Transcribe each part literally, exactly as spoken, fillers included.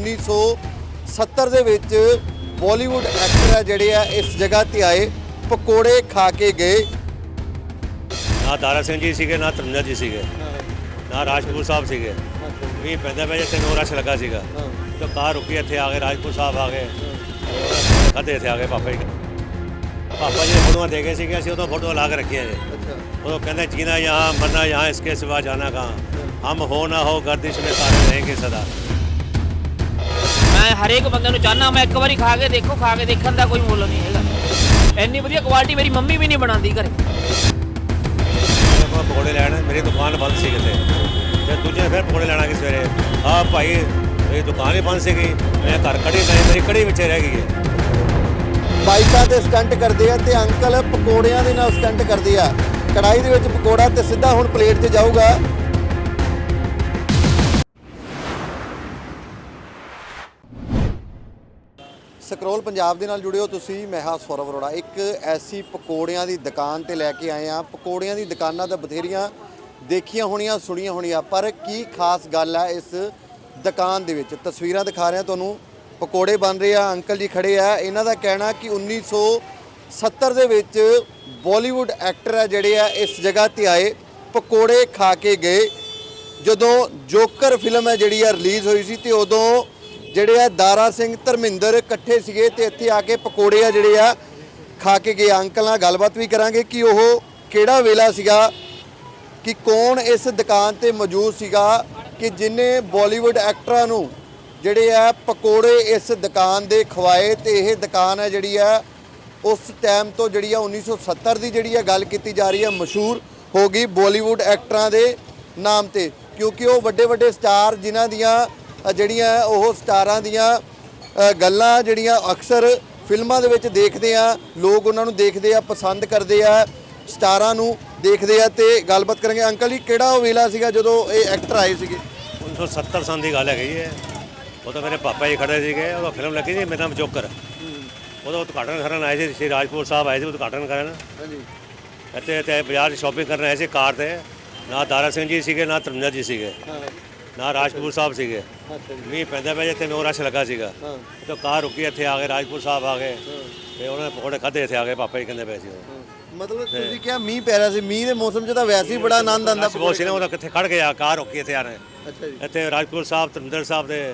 उन्नीस सौ सत्तर ਦੇ ਵਿੱਚ ਬਾਲੀਵੁੱਡ ਐਕਟਰ ਹੈ ਜਿਹੜੇ ਆ ਇਸ ਜਗ੍ਹਾ ਤੇ ਆਏ, ਪਕੌੜੇ ਖਾ ਕੇ ਗਏ। ਨਾ ਦਾਰਾ ਸਿੰਘ ਜੀ ਸੀਗੇ, ਨਾ ਧਰਮਿੰਦਰ ਜੀ ਸੀਗੇ, ਨਾ ਰਾਜਪੂਤ ਸਾਹਿਬ ਸੀਗੇ। ਵੀ ਪੈਂਦਾ ਪਿਆ ਜਿੱਥੇ ਨੋ ਰਸ਼ ਲੱਗਾ ਸੀਗਾ ਤਾਂ ਕਾਰ ਰੁਕੀ, ਇੱਥੇ ਆ ਗਏ ਰਾਜਪੂਤ ਸਾਹਿਬ ਆ ਗਏ, ਕਦੇ ਇੱਥੇ ਆ ਗਏ ਪਾਪਾ ਜੀ। ਪਾਪਾ ਜੀ ਨੇ ਫੋਟੋਆਂ ਦੇ ਗਏ ਸੀਗੇ, ਅਸੀਂ ਉਦੋਂ ਫੋਟੋਆਂ ਲਾ ਕੇ ਰੱਖੀਆਂ ਜੀ। ਉਦੋਂ ਕਹਿੰਦੇ ਜੀਣਾ यहाँ मरना यहाँ इसके सिवा जाना कहाँ, हम हो ना हो गर्दिश में सारे रहेंगे सदा। मैं हरेक बंदे ਨੂੰ ਚਾਹਨਾ ਮੈਂ ਇੱਕ ਵਾਰੀ ਖਾ ਕੇ ਦੇਖੋ, ਖਾ ਕੇ ਦੇਖਣ ਦਾ ਕੋਈ ਮੁੱਲ ਨਹੀਂ ਹੈਗਾ। ਇੰਨੀ ਵਧੀਆ ਕੁਆਲਿਟੀ ਮੇਰੀ ਮੰਮੀ ਵੀ ਨਹੀਂ ਬਣਾਉਂਦੀ ਘਰੇ। ਪਕੌੜੇ ਲੈਣ ਮੇਰੀ ਦੁਕਾਨ ਬੰਦ ਸੀ ਕਿਤੇ, ਤੇ ਦੂਜੇ ਫਿਰ ਪਕੌੜੇ ਲੈਣਾ ਕਿ ਸਵੇਰੇ ਆ ਭਾਈ ਮੇਰੀ ਦੁਕਾਨ ਹੀ ਬੰਦ ਸੀਗੀ, ਮੈਂ ਘਰ ਕੜੀ ਨਹੀਂ, ਮੇਰੀ ਕੜੀ ਵਿੱਚ ਰਹਿ ਗਈ ਹੈ। ਬਾਈਕਾਂ ਤੇ ਸਟੰਟ ਕਰਦੇ ਆ ਤੇ ਅੰਕਲ ਪਕੌੜਿਆਂ ਦੇ ਨਾਲ ਸਟੰਟ ਕਰਦੇ ਆ। ਕੜਾਈ ਦੇ ਵਿੱਚ ਪਕੌੜਾ ਤੇ ਸਿੱਧਾ ਹੁਣ ਪਲੇਟ 'ਤੇ ਜਾਊਗਾ। ਸਕਰੋਲ ਪੰਜਾਬ ਦੇ ਨਾਲ ਜੁੜੇ ਹੋ ਤੁਸੀਂ, ਮੈਂ ਹਾਂ ਸੌਰਵ ਅਰੋੜਾ। ਇੱਕ ਐਸੀ ਪਕੌੜਿਆਂ ਦੀ ਦੁਕਾਨ ਤੇ ਲੈ ਕੇ ਆਏ ਆ। ਪਕੌੜਿਆਂ ਦੀ ਦੁਕਾਨਾਂ ਤਾਂ ਬਥੇਰੀਆਂ ਦੇਖੀਆਂ ਹੋਣੀਆਂ, ਸੁਣੀਆਂ ਹੋਣੀਆਂ, ਪਰ ਕੀ ਖਾਸ ਗੱਲ ਹੈ ਇਸ ਦੁਕਾਨ ਦੇ ਵਿੱਚ? ਤਸਵੀਰਾਂ ਦਿਖਾ ਰਹੇ ਹਾਂ ਤੁਹਾਨੂੰ, ਪਕੌੜੇ ਬਣ ਰਹੇ ਆ, ਅੰਕਲ ਜੀ ਖੜੇ ਆ। ਇਹਨਾਂ ਦਾ ਕਹਿਣਾ ਕਿ ਉੱਨੀ ਸੌ ਸੱਤਰ ਦੇ ਵਿੱਚ ਬਾਲੀਵੁੱਡ ਐਕਟਰ ਹੈ ਜਿਹੜੇ ਆ ਇਸ ਜਗ੍ਹਾ ਤੇ ਆਏ, ਪਕੌੜੇ ਖਾ ਕੇ ਗਏ। ਜਦੋਂ ਜੋਕਰ ਫਿਲਮ ਹੈ ਜਿਹੜੀ ਆ ਰਿਲੀਜ਼ ਹੋਈ ਸੀ ਤੇ ਉਦੋਂ ਜਿਹੜੇ ਆ ਦਾਰਾ ਸਿੰਘ, ਧਰਮਿੰਦਰ ਇਕੱਠੇ ਸੀਗੇ ਤੇ ਇੱਥੇ ਆ ਕੇ ਪਕੌੜੇ ਆ ਜਿਹੜੇ ਆ ਖਾ ਕੇ ਗਏ। ਅੰਕਲ ਨਾਲ ਗੱਲਬਾਤ ਵੀ ਕਰਾਂਗੇ ਕਿ ਉਹ ਕਿਹੜਾ ਵੇਲਾ ਸੀਗਾ, ਕਿ ਕੌਣ ਇਸ ਦੁਕਾਨ ਤੇ ਮੌਜੂਦ ਸੀਗਾ ਕਿ ਜਿਨੇ ਬਾਲੀਵੁੱਡ ਐਕਟਰਾਂ ਨੂੰ ਜਿਹੜੇ ਆ ਪਕੌੜੇ ਇਸ ਦੁਕਾਨ ਦੇ ਖਵਾਏ। ਤੇ ਇਹ ਦੁਕਾਨ ਹੈ ਜਿਹੜੀ ਆ ਉਸ ਟਾਈਮ ਤੋਂ ਜਿਹੜੀ ਆ ਉੱਨੀ ਸੌ ਸੱਤਰ ਦੀ ਜਿਹੜੀ ਆ ਗੱਲ ਕੀਤੀ ਜਾ ਰਹੀ ਹੈ, ਮਸ਼ਹੂਰ ਹੋ ਗਈ ਬਾਲੀਵੁੱਡ ਐਕਟਰਾਂ ਦੇ ਨਾਮ ਤੇ, ਕਿਉਂਕਿ ਉਹ ਵੱਡੇ ਵੱਡੇ ਸਟਾਰ ਜਿਨ੍ਹਾਂ ਦੀਆਂ ਜਿਹੜੀਆਂ ਉਹ ਸਟਾਰਾਂ ਦੀਆਂ ਗੱਲਾਂ ਜਿਹੜੀਆਂ ਅਕਸਰ ਫਿਲਮਾਂ ਦੇ ਵਿੱਚ ਦੇਖਦੇ ਆ, ਲੋਕ ਉਹਨਾਂ ਨੂੰ ਦੇਖਦੇ ਆ, ਪਸੰਦ ਕਰਦੇ ਆ, ਸਟਾਰਾਂ ਨੂੰ ਦੇਖਦੇ ਆ। ਤੇ ਗੱਲਬਾਤ ਕਰਾਂਗੇ। ਅੰਕਲ ਜੀ ਕਿਹੜਾ ਉਹ ਵੇਲਾ ਸੀਗਾ ਜਦੋਂ ਇਹ ਐਕਟਰ ਆਏ ਸੀਗੇ? ਉੱਨੀ ਸੌ ਸੱਤਰ ਸਾਲ ਦੀ ਗੱਲ ਹੈਗੀ ਹੈ। ਉਹ ਤਾਂ ਮੇਰੇ ਪਾਪਾ ਜੀ ਖੜੇ ਸੀਗੇ, ਉਹ ਫਿਲਮ ਲੱਗੀ ਸੀ ਮੇਰਾ ਨਾਮ ਜੋਕਰ। ਉਹਦਾ ਉਦਘਾਟਨ ਕਰਨ ਆਏ ਸੀ, ਸ਼੍ਰੀ ਰਾਜਪੂਤ ਸਾਹਿਬ ਆਏ ਸੀ ਉਦਘਾਟਨ ਕਰਨ। ਹਾਂਜੀ। ਇੱਥੇ ਇੱਥੇ ਬਾਜ਼ਾਰ ਸ਼ਾਪਿੰਗ ਕਰਨ ਆਏ ਸੀ ਕਾਰ 'ਤੇ। ਨਾ ਦਾਰਾ ਸਿੰਘ ਜੀ ਸੀਗੇ, ਨਾ ਧਰਮਿੰਦਰ ਜੀ ਸੀਗੇ, ਨਾ ਰਾਜਪੂਤ ਸਾਹਿਬ ਸੀਗੇ। ਮੀਂਹ ਪੈਂਦਾ ਪਿਆ ਜਿੱਥੇ ਨੋ ਰਸ਼ ਲੱਗਾ ਸੀਗਾ ਤਾਂ ਕਾਰ ਰੁਕੀ, ਇੱਥੇ ਆ ਗਏ ਰਾਜਪੂਤ ਸਾਹਿਬ ਆ ਗਏ, ਤੇ ਉਹਨਾਂ ਨੇ ਪਕੌੜੇ ਖਾਧੇ, ਇੱਥੇ ਆ ਗਏ ਪਾਪਾ ਜੀ ਕਹਿੰਦੇ ਪਏ ਸੀ। ਮਤਲਬ ਤੁਸੀਂ ਕਿਹਾ ਮੀਂਹ ਪੈ ਰਿਹਾ ਸੀ, ਮੀਂਹ ਦੇ ਮੌਸਮ 'ਚ ਤਾਂ ਵੈਸੇ ਹੀ ਬੜਾ ਆਨੰਦ ਆਉਂਦਾ। ਬਹੁਤ ਸੀ ਨਾ, ਉਹਦਾ ਕਿੱਥੇ ਖੜ ਗਿਆ, ਕਾਰ ਰੁਕੀ, ਇੱਥੇ ਆ ਰਹੇ। ਅੱਛਾ ਜੀ। ਇੱਥੇ ਰਾਜਪੂਤ ਸਾਹਿਬ, ਧਰਮਿੰਦਰ ਸਾਹਿਬ ਦੇ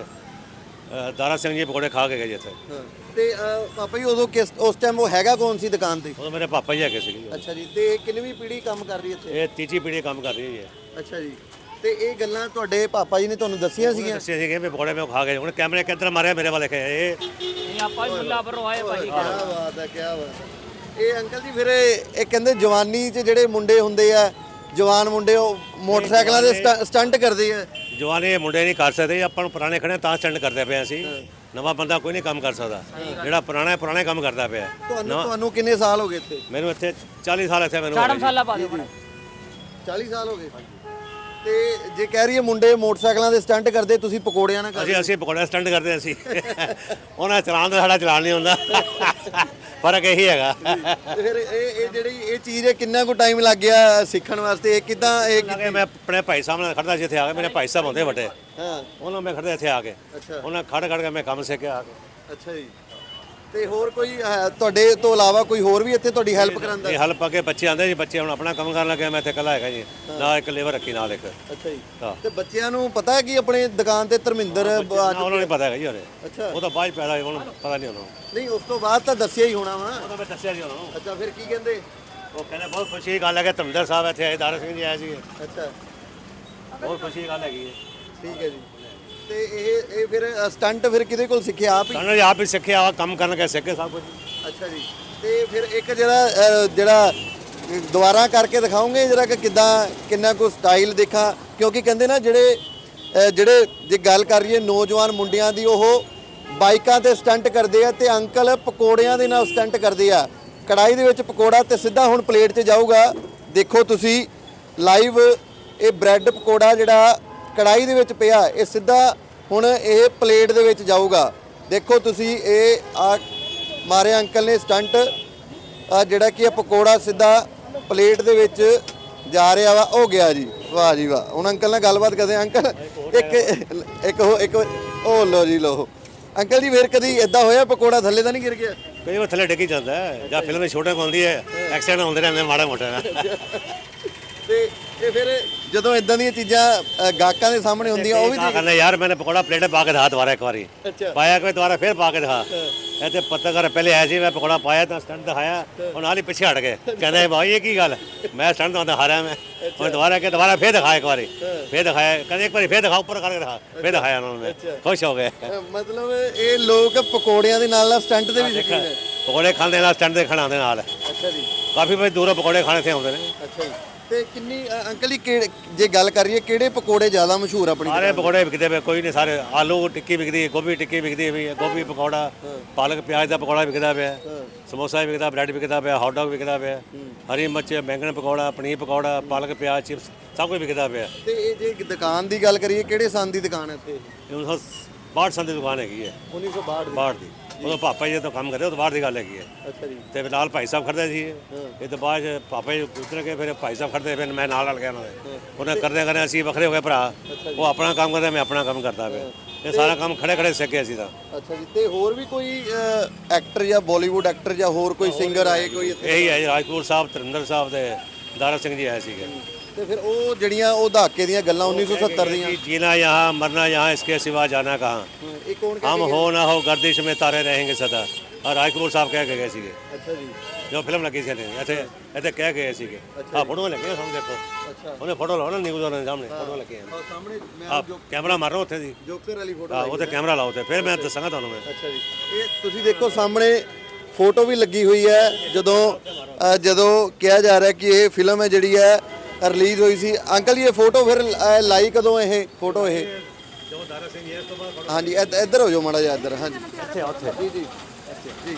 ਦਾਰਾ ਸਿੰਘ ਜੀ ਪਕੌੜੇ ਖਾ ਕੇ ਗਏ ਜੀ ਇੱਥੇ। ਤੇ ਪਾਪਾ ਜੀ ਉਦੋਂ ਕਿਸ ਉਸ ਟਾਈਮ ਉਹ ਹੈਗਾ ਕੌਣ ਸੀ ਦੁਕਾਨ ਤੇ? ਉਦੋਂ ਮੇਰੇ ਪਾਪਾ ਜੀ ਹੈਗੇ ਸੀਗੇ। ਅੱਛਾ ਜੀ। ਤੇ ਕਿੰਨਵੀਂ ਪੀੜ੍ਹੀ ਕੰਮ ਕਰ ਰਹੀ ਇੱਥੇ? ਇਹ ਤੀਜੀ ਪੀੜ੍ਹੀ ਕੰਮ ਕਰ ਰਹੀ ਹੈ। ਅੱਛਾ ਜੀ। ਤੇ ਇਹ ਗੱਲਾਂ ਤੁਹਾਡੇ ਪਾਪਾ ਜੀ ਨੇ ਤੁਹਾਨੂੰ ਦੱਸੀਆਂ ਸੀਗੀਆਂ? ਦੱਸਿਆ ਸੀਗੇ ਵੀ ਪਕੌੜੇ ਮੈਂ ਖਾ ਗਏ। ਹੁਣ ਕੈਮਰੇ ਕਿੱਧਰ ਮਾਰਿਆ ਮੇਰੇ ਵੱਲ ਦੇਖਿਆ। ਇਹ ਇਹ ਆਪਾਂ ਹੀ ਮੁੱਲਾਪੁਰੋਂ ਆਏ ਭਾਜੀ। ਕੀ ਬਾਤ ਹੈ, ਕੀ ਬਾਤ। ਇਹ ਅੰਕਲ ਜੀ ਫਿਰ ਇਹ ਕਹਿੰਦੇ ਜਵਾਨੀ 'ਚ ਜਿਹੜੇ ਮੁੰਡੇ ਹੁੰਦੇ ਆ, ਜਵਾਨ ਮੁੰਡੇ, ਉਹ ਮੋਟਰਸਾਈਕਲਾਂ ਦੇ ਸਟੰਟ ਕਰਦੇ ਆ। ਜਵਾਨੀ ਇਹ ਮੁੰਡੇ ਨਹੀਂ ਕਰ ਸਕਦੇ, ਆਪਾਂ ਨੂੰ ਪੁਰਾਣੇ ਖੜੇ ਤਾਂ ਸਟੰਟ ਕਰਦੇ ਪਏ ਅਸੀਂ। ਨਵਾਂ ਬੰਦਾ ਕੋਈ ਨਹੀਂ ਕੰਮ ਕਰ ਸਕਦਾ, ਜਿਹੜਾ ਪੁਰਾਣਾ ਪੁਰਾਣੇ ਕੰਮ ਕਰਦਾ ਪਿਆ। ਤੁਹਾਨੂੰ ਤੁਹਾਨੂੰ ਕਿੰਨੇ ਸਾਲ ਹੋ ਗਏ ਇੱਥੇ? ਮੈਨੂੰ ਇੱਥੇ ਚਾਲੀ ਸਾਲ ਇੱਥੇ ਮੈਨੂੰ ਚਾਰ ਸਾਲਾਂ ਪਾ ਦਿਓ। ਚਾਲੀ ਸਾਲ ਹੋ ਗਏ। ਤੇ ਜੇ ਕਹਿ ਰਹੀ ਹੈ ਮੁੰਡੇ ਮੋਟਰਸਾਈਕਲਾਂ ਦੇ ਸਟੰਟ ਕਰਦੇ, ਤੁਸੀਂ ਪਕੌੜਿਆਂ ਨਾਲ ਕਰਦੇ? ਅਸੀਂ ਅਸੀਂ ਪਕੌੜੇ ਸਟੰਟ ਕਰਦੇ ਅਸੀਂ। ਉਹਨਾਂ ਚਲਾਉਣ ਦਾ ਸਾਡਾ ਚਲਾਨ ਨਹੀਂ ਹੁੰਦਾ, ਫਰਕ ਇਹੀ ਹੈਗਾ। ਫਿਰ ਇਹ ਇਹ ਜਿਹੜੀ ਇਹ ਚੀਜ਼ ਹੈ, ਕਿੰਨਾ ਕੁ ਟਾਈਮ ਲੱਗ ਗਿਆ ਸਿੱਖਣ ਵਾਸਤੇ? ਇਹ ਕਿਦਾਂ ਇਹ? ਮੈਂ ਆਪਣੇ ਭਾਈ ਸਾਹਿਬ ਨਾਲ ਖੜਦਾ ਸੀ ਇੱਥੇ ਆ ਕੇ, ਮੇਰੇ ਭਾਈ ਸਾਹਿਬ ਹੁੰਦੇ ਵੱਡੇ, ਹਾਂ, ਉਹਨਾਂ ਮੈਂ ਖੜਦਾ ਇੱਥੇ ਆ ਕੇ। ਉਹਨਾਂ ਖੜ ਖੜ ਕੇ ਮੈਂ ਕੰਮ ਸਿੱਖਿਆ ਆ ਕੇ। ਅੱਛਾ ਜੀ। ਤੇ ਹੋਰ ਕੋਈ ਤੁਹਾਡੇ ਤੋਂ ਇਲਾਵਾ ਕੋਈ ਹੋਰ ਵੀ ਇੱਥੇ ਤੁਹਾਡੀ ਹੈਲਪ ਕਰਾਂਦਾ? ਇਹ ਹੈਲਪ ਆ ਕੇ ਬੱਚੇ ਆਉਂਦੇ ਜੀ, ਬੱਚੇ ਹੁਣ ਆਪਣਾ ਕੰਮ ਕਰਨ ਲੱਗੇ, ਮੈਂ ਇੱਥੇ ਇਕੱਲਾ ਹੈਗਾ ਜੀ, ਨਾਲ ਇੱਕ ਲੇਬਰ ਰੱਖੀ ਨਾਲ ਇੱਕ। ਅੱਛਾ ਜੀ। ਤੇ ਬੱਚਿਆਂ ਨੂੰ ਪਤਾ ਹੈ ਕਿ ਆਪਣੇ ਦੁਕਾਨ ਤੇ ਧਰਮਿੰਦਰ? ਉਹਨਾਂ ਨੂੰ ਪਤਾ ਹੈਗਾ ਜੀ ਉਹਨੇ। ਅੱਛਾ। ਉਹ ਤਾਂ ਬਾਅਦ ਪੈਦਾ ਹੋਇਆ, ਉਹਨੂੰ ਪਤਾ ਨਹੀਂ ਉਹਨੂੰ। ਨਹੀਂ, ਉਸ ਤੋਂ ਬਾਅਦ ਤਾਂ ਦੱਸਿਆ ਹੀ ਹੋਣਾ ਵਾ। ਉਹ ਤਾਂ ਮੈਂ ਦੱਸਿਆ ਜੀ ਉਹਨੂੰ। ਅੱਛਾ, ਫਿਰ ਕੀ ਕਹਿੰਦੇ? ਉਹ ਕਹਿੰਦੇ ਬਹੁਤ ਖੁਸ਼ੀ ਦੀ ਗੱਲ ਹੈ ਕਿ ਧਰਮਿੰਦਰ ਸਾਹਿਬ ਇੱਥੇ ਆਏ, ਦਾਰਾ ਸਿੰਘ ਜੀ ਆਏ ਸੀ। ਅੱਛਾ, ਬਹੁਤ ਖੁਸ਼ੀ ਦੀ ਗੱਲ ਹੈਗੀ ਹੈ। ਠੀਕ ਹੈ ਜੀ। ਤੇ ਇਹ ਇਹ ਫਿਰ ਸਟੰਟ ਫਿਰ ਕਿਹਦੇ ਕੋਲ ਸਿੱਖਿਆ? ਆਪ ਹੀ? ਸਾਨੂੰ ਆਪ ਹੀ ਸਿੱਖਿਆ, ਕੰਮ ਕਰਨ ਕੇ ਸਿੱਖੇ ਸਭ ਕੁਝ। ਅੱਛਾ ਜੀ। ਤੇ ਫਿਰ ਇੱਕ ਜਿਹੜਾ ਜਿਹੜਾ ਦੁਬਾਰਾ ਕਰਕੇ ਦਿਖਾਓਗੇ ਜਰਾ ਕਿ ਕਿੱਦਾਂ, ਕਿੰਨਾ ਕੁ ਸਟਾਈਲ ਦੇਖਾਂ? ਕਿਉਂਕਿ ਕਹਿੰਦੇ ਨਾ ਜਿਹੜੇ ਜਿਹੜੇ ਜੇ ਗੱਲ ਕਰ ਰਹੀਏ ਨੌਜਵਾਨ ਮੁੰਡਿਆਂ ਦੀ, ਉਹ ਬਾਈਕਾਂ ਤੇ ਸਟੰਟ ਕਰਦੇ ਆ ਤੇ ਅੰਕਲ ਪਕੌੜਿਆਂ ਦੇ ਨਾਲ ਸਟੰਟ ਕਰਦੇ ਆ। ਕੜਾਈ ਦੇ ਵਿੱਚ ਪਕੌੜਾ ਤੇ ਸਿੱਧਾ ਹੁਣ ਪਲੇਟ 'ਚ ਜਾਊਗਾ। ਦੇਖੋ ਤੁਸੀਂ ਲਾਈਵ, ਇਹ ਬ੍ਰੈਡ ਪਕੌੜਾ ਜਿਹੜਾ ਕੜਾਈ ਦੇ ਵਿੱਚ ਪਿਆ, ਇਹ ਸਿੱਧਾ ਹੁਣ ਇਹ ਪਲੇਟ ਦੇ ਵਿੱਚ ਜਾਊਗਾ। ਦੇਖੋ ਤੁਸੀਂ, ਇਹ ਆ ਮਾਰੇ ਅੰਕਲ ਨੇ ਸਟੰਟ, ਆ ਜਿਹੜਾ ਕਿ ਇਹ ਪਕੌੜਾ ਸਿੱਧਾ ਪਲੇਟ ਦੇ ਵਿੱਚ ਜਾ ਰਿਹਾ ਵਾ। ਹੋ ਗਿਆ ਜੀ, ਵਾਹ ਜੀ ਵਾਹ। ਹੁਣ ਅੰਕਲ ਨਾਲ ਗੱਲਬਾਤ ਕਰਦੇ ਹਾਂ। ਅੰਕਲ ਇੱਕ ਇੱਕ ਇੱਕ ਉਹ ਲੋ ਜੀ ਲੋ ਅੰਕਲ ਜੀ, ਫਿਰ ਕਦੀ ਇਦਾਂ ਹੋਇਆ ਪਕੌੜਾ ਥੱਲੇ ਤਾਂ ਨਹੀਂ ਗਿਰ ਗਿਆ? ਕਈ ਵਾਰ ਥੱਲੇ ਡਿੱਗ ਹੀ ਜਾਂਦਾ ਹੈ, ਜਾਂ ਫਿਲਮ ਵਿੱਚ ਛੋਟੇ ਹੁੰਦੀ ਹੈ ਐਕਸੀਡੈਂਟ ਹੁੰਦੇ ਰਹਿੰਦੇ ਮਾੜਾ ਮੋਟਾ ਨਾ। ਤੇ ਇਹ ਫਿਰ ਜਦੋਂ ਇਦਾਂ ਦੀਆਂ ਚੀਜ਼ਾਂ ਅ, ਗਾਹਕਾਂ ਦੇ ਸਾਹਮਣੇ ਹੁੰਦੀਆਂ ਉਹ ਵੀ क्या करना यार, मैंने पकौड़ा प्लेट में पा के दिखा दोबारा एक बारी, अच्छा। पाया कोई दोबारा फिर पा के दिखा। ऐसे पता कर पहले ऐसे मैं पकौड़ा पाया तो स्टंट दिखाया और नाल ही पीछे हट गए, कहते भाई ये की गल, मैं स्टंट तो दिखा रहा मैं और दोबारा के दोबारा फिर दिखाया एक बारी, फिर दिखाया, कहते एक बारी फिर दिखा ऊपर करके दिखा, फिर दिखाया उन्होंने, खुश हो गए। ਅ, ਮਤਲਬ ਇਹ ਲੋਕ ਪਕੌੜਿਆਂ ਦੇ ਨਾਲ ਨਾਲ ਸਟੰਟ ਦੇ ਵੀ ਸ਼ੌਕੀਨ ਹੈ। पकौड़े खाने नाल स्टंट दे खाना दे नाल ਅੱਛਾ ਜੀ, काफी भाई दूरों पकौड़े खाने से आते हैं। ਅੱਛਾ ਜੀ। ਤੇ ਕਿੰਨੀ ਅ, ਅੰਕਲ ਜੀ ਕਿਹੜੇ ਜੇ ਗੱਲ ਕਰੀਏ ਕਿਹੜੇ ਪਕੌੜੇ ਜ਼ਿਆਦਾ ਮਸ਼ਹੂਰ ਆਪਣੀ सारे पकौड़े बिकते पे, कोई नहीं सारे, आलू टिक्की बिकती है, गोभी टिक्की बिकती है, गोभी पकौड़ा, पालक प्याज का पकौड़ा बिकता पे, समोसा भी बिकता, ब्रेड बिकता पे, हॉट डॉग बिकता पे, हरी मिर्च, बैंगन पकौड़ा, पनीर पकौड़ा, पालक प्याज चिप्स सब कुछ बिकता पे। ਤੇ ਇਹ ਜੇ ਦੁਕਾਨ ਦੀ ਗੱਲ ਕਰੀਏ ਕਿਹੜੇ ਸੰਨ ਦੀ ਦੁਕਾਨ ਹੈ ਇੱਥੇ? उन्नीस सौ बाहठ सन की दुकान हैगी है, ਉੱਨੀ ਸੌ ਬਾਹਠ ਦੀ। बाहर की, उदों पापा जी तो काम करते उदों बाहर की गल हैगी है। ਅੱਛਾ ਜੀ। ਤੇ ਫਿਰ ਨਾਲ ਭਾਈ ਸਾਹਿਬ ਖੜਦੇ ਸੀ ਇਹ ਤੋਂ ਬਾਅਦ 'ਚ ਪਾਪਾ ਜੀ ਉਤਰ ਕੇ ਫਿਰ ਭਾਈ ਸਾਹਿਬ ਖੜਦੇ, ਫਿਰ ਮੈਂ ਨਾਲ ਨਾਲ ਗਿਆ ਉਹਨਾਂ ਦੇ, ਉਹਨੇ ਕਰਦੇ ਕਰਦੇ ਅਸੀਂ ਵੱਖਰੇ ਹੋ ਗਏ ਭਰਾ, ਉਹ ਆਪਣਾ ਕੰਮ ਕਰਦਾ ਮੈਂ ਆਪਣਾ ਕੰਮ ਕਰਦਾ ਪਿਆ, ਇਹ ਸਾਰਾ ਕੰਮ ਖੜੇ ਖੜੇ ਸਿੱਖੇ ਅਸੀਂ ਤਾਂ। ਅੱਛਾ ਜੀ। ਤੇ ਹੋਰ ਵੀ ਕੋਈ ਐਕਟਰ ਜਾਂ ਬਾਲੀਵੁੱਡ ਐਕਟਰ ਜਾਂ ਹੋਰ ਕੋਈ ਸਿੰਗਰ ਆਏ ਕੋਈ ਇੱਥੇ? ਇਹੀ ਹੈ ਜੀ, ਰਾਜਪੂਰ ਸਾਹਿਬ, ਤਰਿੰਦਰ ਸਾਹਿਬ ਤੇ ਦਾਰਾ ਸਿੰਘ ਜੀ ਆਏ ਸੀਗੇ। ਤੇ ਫਿਰ ਉਹ ਜਿਹੜੀਆਂ ਉਹ ਦਹਾਕੇ ਦੀਆਂ ਗੱਲਾਂ ਉੱਨੀ ਸੌ ਸੱਤਰ ਦੀਆਂ, कि जीना यहाँ मरना यहाँ इसके सिवा जाना कहाँ, ਇਹ ਕੌਣ हम हो ना हो गर्दिश में तारे रहेंगे सदा, और राजकपूर साहब कह के गए सीगे ਅੱਛਾ ਜੀ। जो फिल्म लगी ਸੀ ਇੱਥੇ ਇੱਥੇ ਕਹਿ ਗਏ ਸੀਗੇ। ਆ ਫੋਟੋਆਂ ਲੱਗੀਆਂ ਸਾਨੂੰ ਦੇਖੋ, ਅੱਛਾ। ਉਹਨੇ ਫੋਟੋ ਲਾਓ ਨਾ ਨਿਊਜ਼ ਵਾਲੇ ਸਾਹਮਣੇ, ਫੋਟੋ ਲੱਗੀਆਂ ਆਹ ਸਾਹਮਣੇ ਮੈਂ ਆ ਕੈਮਰਾ ਮਾਰੋ ਉੱਥੇ ਦੀ, ਜੋਕਰ ਵਾਲੀ ਫੋਟੋ ਆ ਉੱਥੇ ਕੈਮਰਾ ਲਾਓ ਤੇ ਫਿਰ ਮੈਂ ਦੱਸਾਂਗਾ ਤੁਹਾਨੂੰ ਮੈਂ। ਅੱਛਾ ਜੀ। ਇਹ ਤੁਸੀਂ ਦੇਖੋ ਸਾਹਮਣੇ ਫੋਟੋ ਵੀ ਲੱਗੀ ਹੋਈ ਹੈ ਜਦੋਂ ਅ, ਜਦੋਂ ਕਿਹਾ ਜਾ ਰਿਹਾ ਕਿ ਇਹ ਫਿਲਮ ਹੈ ਜਿਹੜੀ ਹੈ ਰਿਲੀਜ਼ ਹੋਈ ਸੀ। ਅੰਕਲ ਜੀ ਇਹ ਫੋਟੋ ਫਿਰ ਅ, ਲਾਈ ਕਦੋਂ ਇਹ ਫੋਟੋ ਇਹ? ਜੋ ਦਾਰਾ ਸਿੰਘ ਇਸ ਤੋਂ ਬਾਅਦ ਹਾਂਜੀ ਇੱਧ- ਇੱਧਰ ਹੋ ਜਾਓ ਮਾੜਾ ਜਿਹਾ ਇੱਧਰ। ਹਾਂਜੀ ਇੱਥੇ ਉੱਥੇ ਜੀ ਜੀ ਜੀ।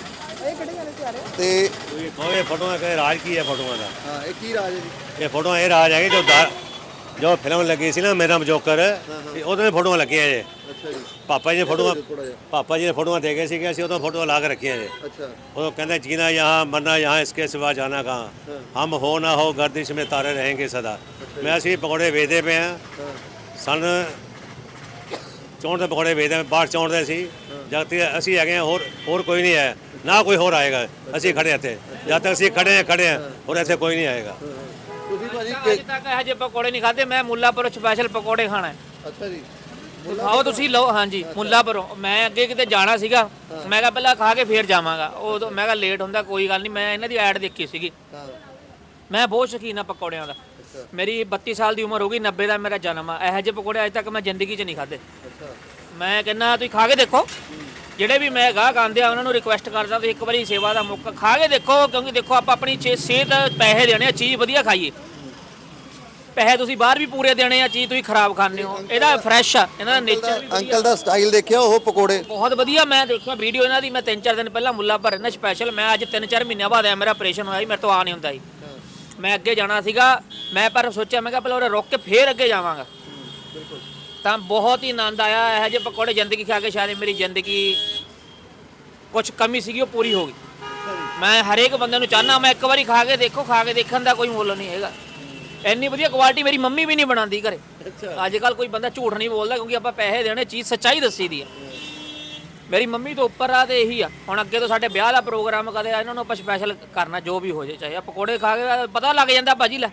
ਤੇ ਕੋਈ ਕੋਈ ਫੋਟੋਆਂ ਕਹੇ ਰਾਜ ਕੀ ਹੈ ਫੋਟੋਆਂ ਦਾ, ਹਾਂ ਇਹ ਕੀ ਰਾਜ ਹੈ ਜੀ? ਇਹ ਫੋਟੋਆਂ ਇਹ ਰਾਜ ਹੈਗੇ ਜੋ ਦਾ- ਜੋ ਫਿਲਮ ਲੱਗੀ ਸੀ ਨਾ ਮੇਰਾ ਜੋਕਰ, ਇਹ ਉਹਦੇ ਵਿੱਚ ਫੋਟੋਆਂ ਲੱਗੀਆਂ ਜੇ। ਅੱਛਾ ਜੀ। ਪਾਪਾ ਜੀ ਨੇ ਫੋਟੋਆਂ ਥੋੜਾ ਜਿਹਾ। ਪਾਪਾ ਜੀ ਨੇ ਫੋਟੋਆਂ ਦੇ ਗਏ ਸੀਗੇ, ਅਸੀਂ ਉਦੋਂ ਫੋਟੋਆਂ ਲਾ ਕੇ ਰੱਖੀਆਂ ਜੇ। ਅੱਛਾ वो कहते हैं जीना यहाँ मरना यहाँ इसके सिवा जाना कहाँ, हम हो ना हो गर्दिश में तारे रहेंगे सदा। मैं ਅਸੀਂ ਪਕੌੜੇ ਵੇਚਦੇ ਪਏ ਆ, ਸਨ ਚੌਂਹਠ ਦੇ ਪਕੌੜੇ ਵੇਚਦੇ ਆ, ਬਾਹਰ ਚੌਂਹਠ ਦੇ ਸੀ ਜਦ ਤੱਕ ਅਸੀਂ ਹੈਗੇ ਆ, ਹੋਰ ਹੋਰ ਕੋਈ ਨਹੀਂ ਹੈ ਨਾ ਕੋਈ ਹੋਰ ਆਏਗਾ, ਅਸੀਂ ਖੜੇ ਇੱਥੇ ਜਦ ਤੱਕ ਅਸੀਂ ਖੜੇ ਆ ਖੜੇ ਆ, ਹੋਰ ਇੱਥੇ ਕੋਈ ਨਹੀਂ ਆਏਗਾ। ਤੁਸੀਂ ਭਾਜੀ ਅੱਜ ਤੱਕ ਇਹੋ ਜਿਹੇ ਪਕੌੜੇ ਨਹੀਂ ਖਾਦੇ, ਮੈਂ ਮੁੱਲਾਪੁਰ ਸਪੈਸ਼ਲ ਪਕੌੜੇ ਖਾਣਾ ਹੈ। ਅੱਛਾ ਜੀ। ਖਾਓ ਤੁਸੀਂ ਲਓ। ਹਾਂਜੀ ਮੁੱਲਾਪੁਰੋਂ ਮੈਂ ਅੱਗੇ ਕਿਤੇ ਜਾਣਾ ਸੀਗਾ, ਮੈਂ ਕਿਹਾ ਪਹਿਲਾਂ ਖਾ ਕੇ ਫੇਰ ਜਾਵਾਂਗਾ, ਉਦੋਂ ਮੈਂ ਕਿਹਾ ਲੇਟ ਹੁੰਦਾ ਕੋਈ ਗੱਲ ਨਹੀਂ, ਮੈਂ ਇਹਨਾਂ ਦੀ ਐਡ ਦੇਖੀ ਸੀਗੀ। ਹਾਂ ਮੈਂ ਬਹੁਤ ਸ਼ੌਕੀਨ ਆ ਪਕੌੜਿਆਂ ਦਾ, ਮੇਰੀ ਬੱਤੀ ਸਾਲ ਦੀ ਉਮਰ ਹੋ ਗਈ, ਨੱਬੇ ਦਾ ਮੇਰਾ ਜਨਮ ਆ, ਇਹੋ ਜਿਹੇ ਪਕੌੜੇ ਅੱਜ ਤੱਕ ਮੈਂ ਜ਼ਿੰਦਗੀ 'ਚ ਨਹੀਂ ਖਾਦੇ। ਅੱਛਾ ਮੈਂ ਕਹਿੰਦਾ ਤੁਸੀਂ ਖਾ ਕੇ ਦੇਖੋ, ਜਿਹੜੇ ਵੀ ਮੈਂ ਗਾਹਕ ਆਉਂਦੇ ਆ ਉਹਨਾਂ ਨੂੰ ਰਿਕੁਐਸਟ ਕਰਦਾ ਤੁਸੀਂ ਇੱਕ ਵਾਰੀ ਸੇਵਾ ਦਾ ਮੌਕਾ ਖਾ ਕੇ ਦੇਖੋ, ਕਿਉਂਕਿ ਦੇਖੋ ਆਪਾਂ ਆਪਣੀ ਚੇ- ਸਿਹਤ ਪੈਸੇ ਦੇਣੇ ਆ, ਚੀਜ਼ ਵਧੀਆ ਖਾਈਏ। ਪੈਸੇ ਤੁਸੀਂ ਬਾਹਰ ਵੀ ਪੂਰੇ ਦੇਣੇ ਆ, ਚੀਜ਼ ਤੁਸੀਂ ਖਰਾਬ ਖਾਂਦੇ ਹੋ। ਇਹਦਾ ਫਰੈਸ਼ ਆ, ਇਹਨਾਂ ਦਾ ਨੇਚਰ ਵੀ ਅੰਕਲ ਦਾ ਸਟਾਈਲ ਦੇਖਿਆ ਉਹ ਪਕੌੜੇ ਬਹੁਤ ਵਧੀਆ। ਮੈਂ ਦੇਖਿਆ ਵੀਡੀਓ ਇਹਨਾਂ ਦੀ, ਮੈਂ ਤਿੰਨ ਚਾਰ ਦਿਨ ਪਹਿਲਾਂ ਮੁੱਲਾਪੁਰ ਰਹਿਣਾ ਸਪੈਸ਼ਲ, ਮੈਂ ਅੱਜ ਤਿੰਨ ਚਾਰ ਮਹੀਨਿਆਂ ਬਾਅਦ ਆਇਆ, ਮੇਰਾ ਆਪਰੇਸ਼ਨ ਹੋਇਆ ਸੀ, ਮੇਰੇ ਤੋਂ ਆ ਨਹੀਂ ਹੁੰਦਾ ਸੀ, ਮੈਂ ਅੱਗੇ ਜਾਣਾ ਸੀਗਾ, ਮੈਂ ਪਰ ਸੋਚਿਆ ਮੈਂ ਕਿਹਾ ਪਹਿਲਾਂ ਉਰੇ ਰੁਕ ਕੇ ਫੇਰ ਅੱਗੇ ਜਾਵਾਂਗਾ। ਤਾਂ ਬਹੁਤ ਹੀ ਆਨੰਦ ਆਇਆ ਇਹੋ ਜਿਹੇ ਪਕੌੜੇ ਜ਼ਿੰਦਗੀ ਖਾ ਕੇ, ਸ਼ਾਇਦ ਮੇਰੀ ਜ਼ਿੰਦਗੀ ਕੁਝ ਕਮੀ ਸੀਗੀ ਉਹ ਪੂਰੀ ਹੋ ਗਈ। ਮੈਂ ਹਰੇਕ ਬੰਦੇ ਨੂੰ ਚਾਹਨਾ ਮੈਂ ਇੱਕ ਵਾਰੀ ਖਾ ਕੇ ਦੇਖੋ, ਖਾ ਕੇ ਦੇਖਣ ਦਾ ਕੋਈ ਮੁੱਲ ਨਹੀਂ ਹੈਗਾ। ਇੰਨੀ ਵਧੀਆ ਕੁਆਲਿਟੀ ਮੇਰੀ ਮੰਮੀ ਵੀ ਨਹੀਂ ਬਣਾਉਂਦੀ ਘਰੇ। ਅੱਜ ਕੱਲ ਕੋਈ ਬੰਦਾ ਝੂਠ ਨਹੀਂ ਬੋਲਦਾ, ਕਿਉਂਕਿ ਆਪਾਂ ਪੈਸੇ ਦੇਣੇ, ਚੀਜ਼ ਸੱਚਾਈ ਦੱਸੀ ਦੀ ਹੈ। ਮੇਰੀ ਮੰਮੀ ਤੋਂ ਉੱਪਰ ਆ ਤੇ ਇਹੀ ਆ। ਹੁਣ ਅੱਗੇ ਤੋਂ ਸਾਡੇ ਵਿਆਹ ਦਾ ਪ੍ਰੋਗਰਾਮ ਕਦੇ ਇਹਨਾਂ ਨੂੰ ਆਪਾਂ ਸਪੈਸ਼ਲ ਕਰਨਾ, ਜੋ ਵੀ ਹੋ ਜਾਏ, ਚਾਹੇ ਆ ਪਕੌੜੇ ਖਾ ਕੇ ਪਤਾ ਲੱਗ ਜਾਂਦਾ ਭਾਜੀ, ਲੈ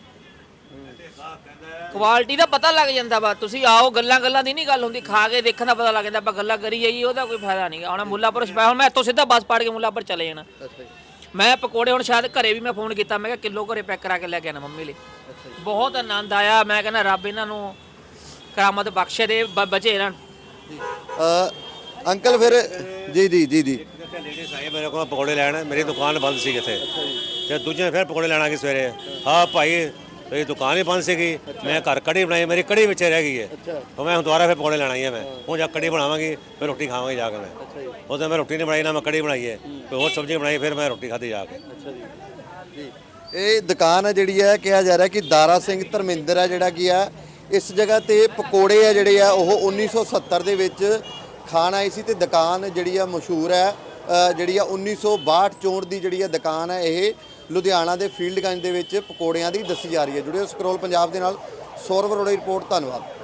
ਕੁਆਲਿਟੀ ਦਾ ਪਤਾ ਲੱਗ ਜਾਂਦਾ ਵਾ। ਤੁਸੀਂ ਆਓ, ਗੱਲਾਂ ਗੱਲਾਂ ਦੀ ਨਹੀਂ ਗੱਲ ਹੁੰਦੀ, ਖਾ ਕੇ ਦੇਖਣ ਦਾ ਪਤਾ ਲੱਗ ਜਾਂਦਾ। ਆਪਾਂ ਗੱਲਾਂ ਕਰੀ ਜਾਈਏ ਉਹਦਾ ਕੋਈ ਫਾਇਦਾ ਨਹੀਂ। ਹੁਣ ਮੁੱਲਾਪੁਰ ਸਪੈਸ਼ਲ, ਮੈਂ ਇੱਥੋਂ ਸਿੱਧਾ ਬੱਸ ਪਾੜ ਕੇ ਮੁੱਲਾਪੁਰ ਚਲੇ ਜਾਣਾ। ਮੈਂ ਪਕੌੜੇ ਹੁਣ ਸ਼ਾਇਦ ਘਰੇ ਵੀ ਮੈਂ ਫੋਨ ਕੀਤਾ, ਮੈਂ ਕਿਹਾ ਕਿਲੋ ਘਰੇ ਪੈਕ ਕਰਾ ਕੇ ਲੈ ਕੇ ਆਣਾ ਮੰਮੀ ਲਈ। ਬਹੁਤ ਆਨੰਦ ਆਇਆ। ਮੈਂ ਕਹਿੰਦਾ ਰੱਬ ਇਹਨਾਂ ਨੂੰ ਕਰਾਮਤ ਬਖਸ਼ੇ ਦੇ, ਬ- ਬਚੇ ਇਹਨਾਂ ਨੂੰ। ਅ, ਅੰਕਲ ਫਿਰ ਜੀ ਜੀ ਜੀ ਜੀ ਲੇਡੀਜ਼ ਆਏ ਮੇਰੇ ਕੋਲ ਪਕੌੜੇ ਲੈਣ, ਮੇਰੀ ਦੁਕਾਨ ਬੰਦ ਸੀ ਇੱਥੇ, ਤੇ ਦੂਜੇ ਫਿਰ ਪਕੌੜੇ ਲੈਣ ਆ ਗਏ ਸਵੇਰੇ। ਹਾਂ ਭਾਈ ਮੇਰੀ ਦੁਕਾਨ ਹੀ ਬੰਦ ਸੀਗੀ, ਮੈਂ ਘਰ ਕੜੀ ਬਣਾਈ, ਮੇਰੀ ਕੜੀ ਵਿੱਚ ਰਹਿ ਗਈ ਹੈ, ਤਾਂ ਮੈਂ ਹੁਣ ਦੁਬਾਰਾ ਫਿਰ ਪਕੌੜੇ ਲੈਣ ਆਈ ਹਾਂ। ਮੈਂ ਹੁਣ ਜਾ ਕੜੀ ਬਣਾਵਾਂਗੀ, ਫਿਰ ਰੋਟੀ ਖਾਵਾਂਗੇ ਜਾ ਕੇ। ਮੈਂ ਉਦੋਂ ਮੈਂ ਰੋਟੀ ਨਹੀਂ ਬਣਾਈ, ਨਾ ਮੈਂ ਕੜੀ ਬਣਾਈ ਹੈ, ਕੋਈ ਹੋਰ ਸਬਜ਼ੀ ਬਣਾਈ, ਫਿਰ ਮੈਂ ਰੋਟੀ ਖਾਧੀ ਜਾ ਕੇ। ਜੀ ਇਹ ਦੁਕਾਨ ਹੈ ਜਿਹੜੀ ਹੈ, ਕਿਹਾ ਜਾ ਰਿਹਾ ਕਿ ਦਾਰਾ ਸਿੰਘ ਧਰਮਿੰਦਰ ਹੈ ਜਿਹੜਾ ਕੀ ਆ ਇਸ ਜਗ੍ਹਾ ਤੇ ਪਕੌੜੇ ਆ ਜਿਹੜੇ ਆ ਉਹ ਉੱਨੀ ਸੌ ਸੱਤਰ ਦੇ ਵਿੱਚ ਖਾਣ ਆਈ ਸੀ। ਤੇ ਦੁਕਾਨ ਜਿਹੜੀ ਆ ਮਸ਼ਹੂਰ ਹੈ, ਅ, ਜਿਹੜੀ ਆ ਉੱਨੀ ਸੌ ਬਾਹਠ ਚੌਂਹਠ ਦੀ ਜਿਹੜੀ ਆ ਦੁਕਾਨ ਹੈ, ਇਹ ਲੁਧਿਆਣਾ ਦੇ ਫੀਲਡਗੰਜ ਦੇ ਵਿੱਚ ਪਕੌੜਿਆਂ ਦੀ ਦੱਸੀ ਜਾ ਰਹੀ ਹੈ। ਜੁੜਿਓ ਸਕਰੋਲ ਪੰਜਾਬ ਦੇ ਨਾਲ, ਸੌਰਵ ਅਰੋੜਾ ਦੀ ਰਿਪੋਰਟ। ਧੰਨਵਾਦ।